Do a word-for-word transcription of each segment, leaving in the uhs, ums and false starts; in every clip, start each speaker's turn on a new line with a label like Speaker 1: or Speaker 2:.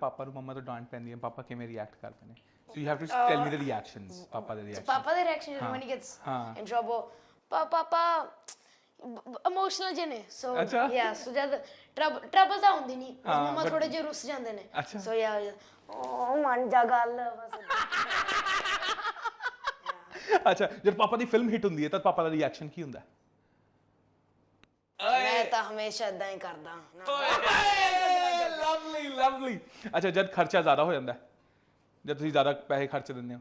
Speaker 1: ਪਾਪਾ ਨੂੰ ਮੰਮਾ ਤੋਂ ਡਾਂਟ ਪੈਂਦੀ ਹੈ ਪਾਪਾ ਕਿਵੇਂ ਰਿਐਕਟ ਕਰਦੇ ਨੇ so you have to tell me the reactions ਪਾਪਾ ਦੇ ਰਿਐਕਸ਼ਨ
Speaker 2: ਪਾਪਾ ਦੇ reaction when he gets in trouble ਪਾਪਾ ਇਮੋਸ਼ਨਲ ਜਿਹੇ ਨੇ ਸੋ ਯਾ ਸੋ ਜਦ ਟਰਬਲ ਟਰਬਲ ਤਾਂ ਹੁੰਦੀ ਨਹੀਂ ਮੰਮਾ ਥੋੜੇ ਜਿਹੇ ਰੁੱਸ ਜਾਂਦੇ ਨੇ ਸੋ ਯਾ ਓ ਮੰਨ ਜਾ ਗੱਲ ਬਸ
Speaker 1: ਅੱਛਾ ਜਦ ਪਾਪਾ ਦੀ ਫਿਲਮ ਹਿੱਟ ਹੁੰਦੀ ਹੈ ਤਾਂ ਪਾਪਾ ਦਾ ਰਿਐਕਸ਼ਨ ਕੀ ਹੁੰਦਾ
Speaker 2: ਮੈਂ ਤਾਂ ਹਮੇਸ਼ਾ ਇਦਾਂ ਹੀ ਕਰਦਾ
Speaker 1: ਲਵਲੀ ਲਵਲੀ ਅੱਛਾ ਜਦ ਖਰਚਾ ਜ਼ਿਆਦਾ ਹੋ ਜਾਂਦਾ ਜਦ ਤੁਸੀਂ ਜ਼ਿਆਦਾ ਪੈਸੇ ਖਰਚ ਦਿੰਦੇ ਹੋ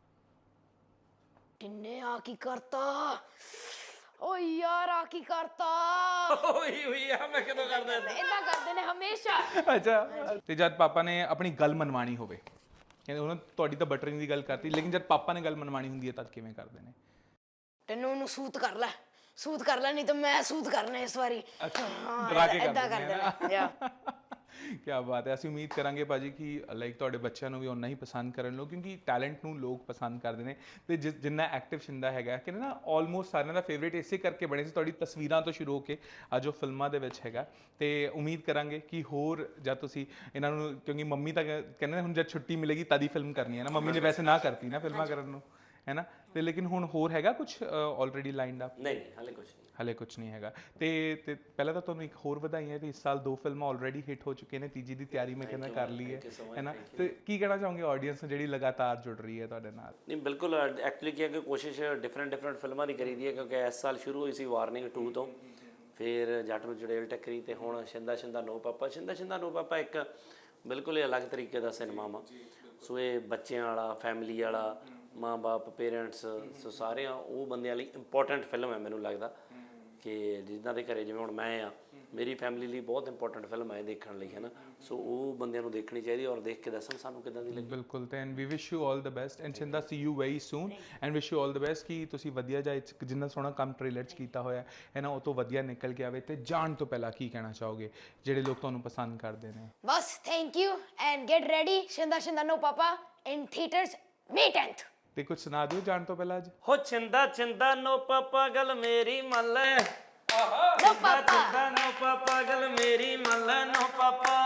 Speaker 2: ਕਿੰਨੇ ਆ ਕੀ ਕਰਤਾ ਓ ਯਾਰ ਆ ਕੀ ਕਰਤਾ
Speaker 3: ਓਏ ਓਏ ਆ ਮੈਂ ਕਿਦੋਂ ਕਰਦਾ
Speaker 2: ਇਦਾਂ ਕਰਦੇ ਨੇ ਹਮੇਸ਼ਾ
Speaker 1: ਅੱਛਾ ਤੇ ਜਦ ਪਾਪਾ ਨੇ ਆਪਣੀ ਗੱਲ ਮਨਵਾਣੀ ਹੋਵੇ ਕਹਿੰਦੇ ਉਹਨਾਂ ਤੁਹਾਡੀ ਤਾਂ ਬਟਰਿੰਗ ਦੀ ਗੱਲ ਕਰਤੀ ਲੇਕਿਨ ਜਦ ਪਾਪਾ ਨੇ ਗੱਲ ਮਨਵਾਣੀ ਹੁੰਦੀ ਹੈ ਤਦ ਕਿਵੇਂ ਕਰਦੇ ਨੇ
Speaker 2: ਤੈਨੂੰ ਉਹਨੂੰ ਸੂਤ ਕਰ ਲੈ ਸੂਤ ਕਰ ਲੈ ਨਹੀਂ ਤਾਂ ਮੈਂ ਸੂਤ ਕਰਨਾ ਇਸ ਵਾਰੀ
Speaker 1: ਅੱਛਾ ਡਰਾ ਕੇ
Speaker 2: ਇਦਾਂ
Speaker 1: ਕਰਦੇ
Speaker 2: ਕਰਦੇ ਨੇ ਯਾ
Speaker 1: ਕੀ ਬਾਤ ਹੈ ਅਸੀਂ ਉਮੀਦ ਕਰਾਂਗੇ ਭਾਜੀ ਕਿ ਲਾਈਕ ਤੁਹਾਡੇ ਬੱਚਿਆਂ ਨੂੰ ਵੀ ਓਨਾ ਹੀ ਪਸੰਦ ਕਰਨ ਲੋ ਕਿਉਂਕਿ ਟੈਲੈਂਟ ਨੂੰ ਲੋਕ ਪਸੰਦ ਕਰਦੇ ਨੇ ਤੇ ਜਿਸ ਜਿੰਨਾ ਐਕਟਿਵ ਸ਼ਿੰਦਾ ਹੈਗਾ ਕਿ ਨਾ ਆਲਮੋਸਟ ਸਾਰਿਆਂ ਦਾ ਫੇਵਰੇਟ ਇਸੇ ਕਰਕੇ ਬਣੇ ਸੀ ਤੁਹਾਡੀ ਤਸਵੀਰਾਂ ਤੋਂ ਸ਼ੁਰੂ ਹੋ ਕੇ ਅੱਜ ਉਹ ਫਿਲਮਾਂ ਦੇ ਵਿੱਚ ਹੈਗਾ ਤੇ ਉਮੀਦ ਕਰਾਂਗੇ ਕਿ ਹੋਰ ਜਦ ਤੁਸੀਂ ਇਹਨਾਂ ਨੂੰ ਕਿਉਂਕਿ ਮੰਮੀ ਤਾਂ ਕਹਿੰਦੇ ਹੁਣ ਜਦ ਛੁੱਟੀ ਮਿਲੇਗੀ ਤਦ ਹੀ ਫਿਲਮ ਕਰਨੀ ਹੈ ਨਾ ਮੰਮੀ ਨੇ ਵੈਸੇ ਨਾ ਕਰਤੀ ਨਾ ਫਿਲਮਾਂ ਕਰਨ ਨੂੰ ਹੈ ਨਾ ਤੇ ਲੇਕਿਨ ਹੁਣ ਹੋਰ ਹੈਗਾ ਕੁਝ ਆਲਰੇਡੀ ਲਾਈਨਡ ਅਪ
Speaker 3: ਨਹੀਂ ਹਾਲੇ ਕੁਝ ਨਹੀਂ
Speaker 1: ਹਲੇ ਕੁਝ ਨਹੀਂ ਹੈਗਾ ਤੇ ਤੇ ਪਹਿਲਾਂ ਤਾਂ ਤੁਹਾਨੂੰ ਇੱਕ ਹੋਰ ਵਧਾਈਆਂ ਤੇ ਇਸ ਸਾਲ ਦੋ ਫਿਲਮਾਂ ਆਲਰੇਡੀ ਹਿੱਟ ਹੋ ਚੁੱਕੀਆਂ ਨੇ ਤੀਜੀ ਦੀ ਤਿਆਰੀ ਮੈਂ ਕਹਿੰਦਾ ਕਰ ਲਈ ਹੈ ਹੈ ਨਾ ਤੇ ਕੀ ਕਹਿਣਾ ਚਾਹੋਗੇ ਆਡੀਅנס ਨੂੰ ਜਿਹੜੀ ਲਗਾਤਾਰ ਜੁੜ ਰਹੀ ਹੈ ਤੁਹਾਡੇ ਨਾਲ
Speaker 3: ਨਹੀਂ ਬਿਲਕੁਲ ਐਕਚੁਅਲੀ ਕੀ ਹੈ ਕਿ ਕੋਸ਼ਿਸ਼ ਡਿਫਰੈਂਟ ਡਿਫਰੈਂਟ ਫਿਲਮਾਂ ਦੀ ਕਰੀਦੀ ਹੈ ਕਿਉਂਕਿ ਇਸ ਸਾਲ ਸ਼ੁਰੂ ਹੋਈ ਸੀ ਵਾਰਨਿੰਗ ਟੂ ਤੋਂ ਫਿਰ ਜੱਟ ਨੂੰ ਜੜੇਲ ਟੱਕਰੀ ਤੇ ਹੁਣ ਸ਼ਿੰਦਾ ਸ਼ਿੰਦਾ ਨੋ ਪਾਪਾ ਸ਼ਿੰਦਾ ਸ਼ਿੰਦਾ ਨੋ ਪਾਪਾ ਇੱਕ ਬਿਲਕੁਲ ਹੀ ਅਲੱਗ ਤਰੀਕੇ ਦਾ ਸਿਨੇਮਾ ਵਾ ਸੋ ਇਹ ਬੱਚਿਆਂ ਵਾਲਾ ਫੈਮਿਲੀ ਵਾਲਾ ਮਾਂ ਬਾਪ ਪੇਰੈਂਟਸ ਸੋ ਸਾਰਿਆਂ ਉਹ ਬੰਦਿਆਂ ਲਈ ਇੰਪੋਰਟੈਂਟ ਫਿਲਮ ਹੈ ਮੈਨੂੰ ਲੱਗਦਾ ਕਿ ਜਿੱਦਾਂ ਦੇ ਘਰੇ ਜਿਵੇਂ ਹੁਣ ਮੈਂ ਆ ਮੇਰੀ ਫੈਮਿਲੀ ਲਈ ਬਹੁਤ ਇੰਪੋਰਟੈਂਟ ਫਿਲਮ ਹੈ ਦੇਖਣ ਲਈ ਹੈ ਨਾ ਸੋ ਉਹ ਬੰਦਿਆਂ ਨੂੰ ਦੇਖਣੀ ਚਾਹੀਦੀ ਔਰ ਦੇਖ ਕੇ ਦੱਸਣ ਸਾਨੂੰ ਕਿੱਦਾਂ ਦੀ ਲੱਗੀ
Speaker 1: ਬਿਲਕੁਲ ਤੇ and we wish you all the best and Chinda see you very soon and wish you all the best ਕਿ ਤੁਸੀਂ ਵਧੀਆ ਜਿਹਾ ਜਿੰਨਾ ਸੋਹਣਾ ਕੰਮ ਟ੍ਰੇਲਰ 'ਚ ਕੀਤਾ ਹੋਇਆ ਹੈ ਨਾ ਉਹ ਤੋਂ ਵਧੀਆ ਨਿਕਲ ਕੇ ਆਵੇ ਤੇ ਜਾਣ ਤੋਂ ਪਹਿਲਾਂ ਕੀ ਕਹਿਣਾ ਚਾਹੋਗੇ ਜਿਹੜੇ ਲੋਕ ਤੁਹਾਨੂੰ ਪਸੰਦ ਕਰਦੇ ਨੇ
Speaker 2: ਬਸ thank you and get ready Shinda Shinda no papa in theatres May tenth
Speaker 1: ਤੇ ਕੁਝ ਸੁਣਾ ਦਿਓ ਜਾਣ ਤੋਂ ਪਹਿਲਾਂ ਅੱਜ
Speaker 3: ਹੋ ਚਿੰਦਾ ਚਿੰਦਾ ਨੋ ਪਾਪਾ ਗੱਲ ਮੇਰੀ ਮੰਨ ਲੈ
Speaker 2: ਨੋ ਪਾਪਾ
Speaker 3: ਚਿੰਦਾ ਨੋ ਪਾਪਾ ਗੱਲ ਮੇਰੀ ਮੰਨ ਲੈ ਨੋ ਪਾਪਾ